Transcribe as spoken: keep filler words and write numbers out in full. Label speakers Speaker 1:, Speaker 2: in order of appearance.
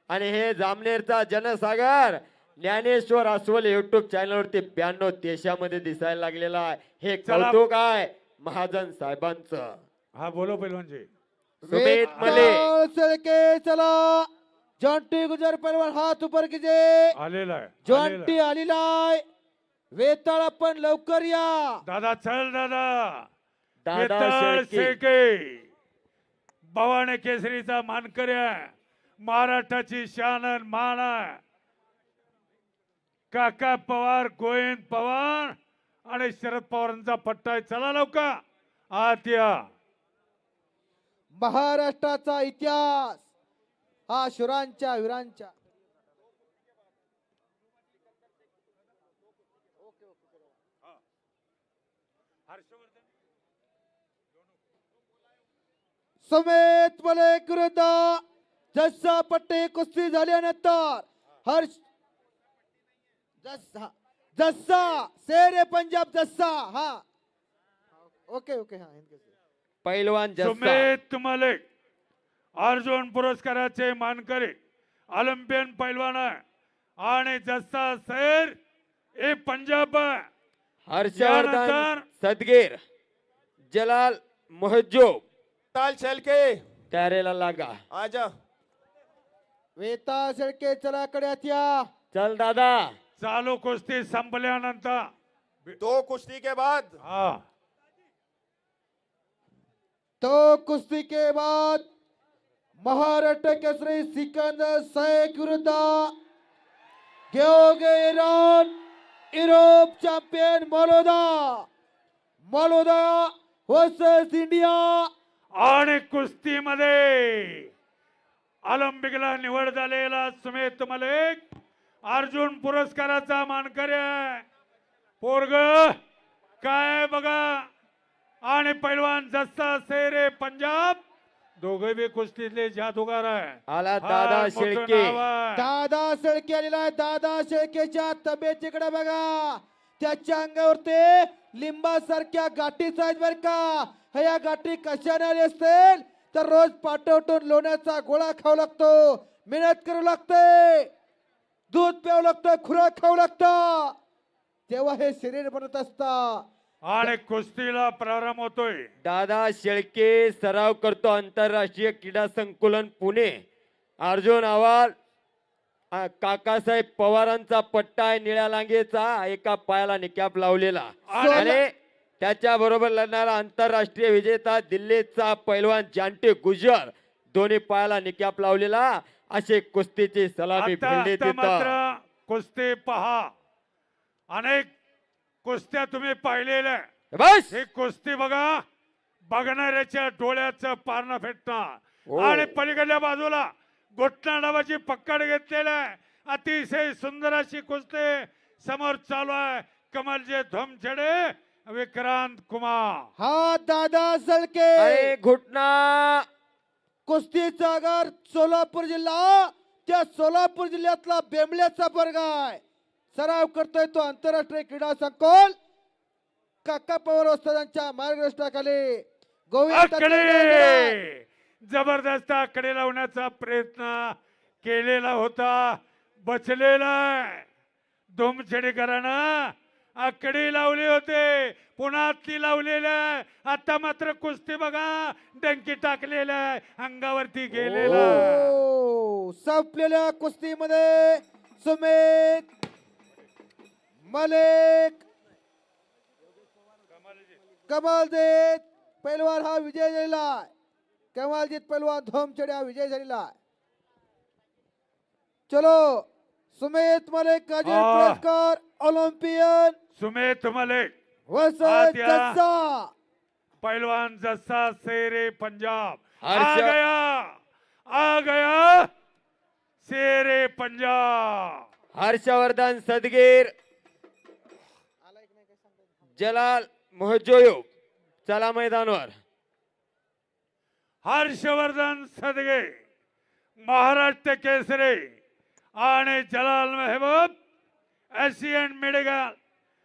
Speaker 1: आणि हे जामनेरचा जनसागर ज्ञानेश्वर अस्वल युट्यूब चॅनलवरती ब्याण्णव देशामध्ये दिसायला लागलेला आहे. हे
Speaker 2: चला.
Speaker 1: कौतुक आहे महाजन साहेबांचं.
Speaker 2: हा बोलो पैलवानजी.
Speaker 1: सुमित मले
Speaker 3: के चला जॉन्टी गुजर पहलवान हात ऊपर कीजिए.
Speaker 2: आलेला आहे, आलेला
Speaker 3: जॉन्टी
Speaker 2: आहे.
Speaker 3: आलेला आहे. वेताळ आपण लवकर या.
Speaker 2: दादा चल दादा.
Speaker 1: दादा
Speaker 2: वेताळ
Speaker 1: शेळके.
Speaker 2: शेळके भवानी केसरीचा मानकरी आहे. महाराष्ट्राची शान आणि मान आहे. काका पवार, गोविंद पवार आणि शरद पवारांचा पट्टा आहे. चला लवकर आत या.
Speaker 3: महाराष्ट्राचा इतिहास हा शुरांच्या वीरांच्या. समेत मलिक विरुद्ध जस्सा पट्टे कुस्ती झाल्यानंतर हर्ष जस्सा जस्सा शेरे पंजाब जस्सा. हा ओके ओके हा
Speaker 1: पैलवान जस्सा
Speaker 2: सुमेत मलिक अर्जुन पुरस्काराचे मानकरी ऑलिम्पियन पैलवान आहे. आणि जस्सा सैर ए पंजाब आहे.
Speaker 1: हर्षवर्धन
Speaker 2: यानंतर
Speaker 1: सदगीर जलाल महजूब
Speaker 4: ताल शेळके
Speaker 1: तयारीला लागा.
Speaker 4: आजा.
Speaker 3: वेता शेळके चला कड्यात या.
Speaker 1: चल दादा.
Speaker 2: चालू कुस्ती संपल्यानंतर
Speaker 4: दो कुश्ती के बाद
Speaker 2: हा
Speaker 3: तो कुस्ती के बाद महाराष्ट्र केसरी सिकंदर शेख विरुद्ध गेओगे इराण युरोप चॅम्पियन मलोदा मलोदा वर्सेस इंडिया.
Speaker 2: आणि कुस्तीमध्ये ऑलिम्पिकला निवड झालेला सुमेत मलिक अर्जुन पुरस्काराचा मानकरी आहे. पोरग काय बघा. आणि पैलवान जस्सा शेरे पंजाब दोघे बी कुस्तीतले जादूगार आहे.
Speaker 1: आला दादा
Speaker 2: फार मोठं
Speaker 1: शेळके.
Speaker 2: नाव आहे.
Speaker 3: दादा शेळके आलेला आहे. दादा शेळकेच्या तब्येतीकडे बघा. त्याच्या अंगावरती लिंबासारख्या गाठीच आहेत बर का. ह्या गाठी कशाने आली असतील तर रोज पाठवटून लोण्याचा गोळा खाऊ लागतो. मेहनत करावं लागते. दूध प्यावं लागतं. खुराक खाऊ लागतं. तेव्हा हे शरीर बनत असतं.
Speaker 2: आणि कुस्तीला प्रारंभ होतोय.
Speaker 1: दादा शेळके सराव करतो आंतरराष्ट्रीय क्रीडा संकुलन पुणे. अर्जुन आव्हाड आ, काकासाहेब पवारांचा पट्टा आहे निळ्या लांगेचा. एका पायाला निकॅप लावलेला आणि त्याच्या बरोबर लढणारा आंतरराष्ट्रीय विजेता दिल्लीचा पैलवान जांटी गुजर दोन्ही पायाला निकॅप लावलेला. असे कुस्तीची सलामी
Speaker 2: आता
Speaker 1: भिडली
Speaker 2: आता मात्र
Speaker 1: तिथं.
Speaker 2: कुस्ती पहा. अनेक कुस्त्या तुम्ही पाहिलेल्या आहे.
Speaker 1: बस
Speaker 2: ही कुस्ती बघा. बघणाऱ्याच्या डोळ्याचं पारणं फेटणार.
Speaker 1: हो.
Speaker 2: आणि पलीकडल्या बाजूला घोटना नावाची पकड घेतलेली आहे. अतिशय सुंदर अशी कुस्ती समोर चालू आहे. कमलजे धोमछडे विक्रांत कुमार.
Speaker 3: हा दादा शेळके
Speaker 1: अरे घुटना.
Speaker 3: कुस्तीचा आगार सोलापूर जिल्हा. त्या सोलापूर जिल्ह्यातला बेंबल्याचा वर्ग आहे. सराव करतोय तो आंतरराष्ट्रीय क्रीडा संकुल काका पवार वस्तादांच्या मार्गदर्शनाखाली. गोविंद
Speaker 2: आकडे जबरदस्त आकडे लावण्याचा प्रयत्न केलेला होता. बचलेला धोमछडेकरांना आकडे लावले होते. पुन्हा ती लावलेल्या आहे. आता मात्र कुस्ती बघा. डंकी टाकलेल्या आहे. अंगावरती गेलेला आहे.
Speaker 3: ओ, संपलेल्या कुस्तीमध्ये सुमित मलिक कमालजीत पैलवान हा विजय झालेला आहे. कमालजीत पैलवान धोमछडे हा विजय झालेला आहे. चलो सुमित मलिक का
Speaker 2: हा.
Speaker 3: पुरस्कार ऑलिम्पियन
Speaker 2: सुमेत मलिक
Speaker 3: वर्सेस
Speaker 2: आत या.
Speaker 3: जस्सा.
Speaker 2: पहलवान जस्सा शेरे पंजाब आ
Speaker 1: हर्ष-
Speaker 2: गया आ गया शेरे पंजाब.
Speaker 1: हर्षवर्धन सदगीर जलाल महजूब चला मैदानावर.
Speaker 2: हर्षवर्धन सदगे महाराष्ट्र केसरी आणि जलाल महबूब एशियन मेडिकल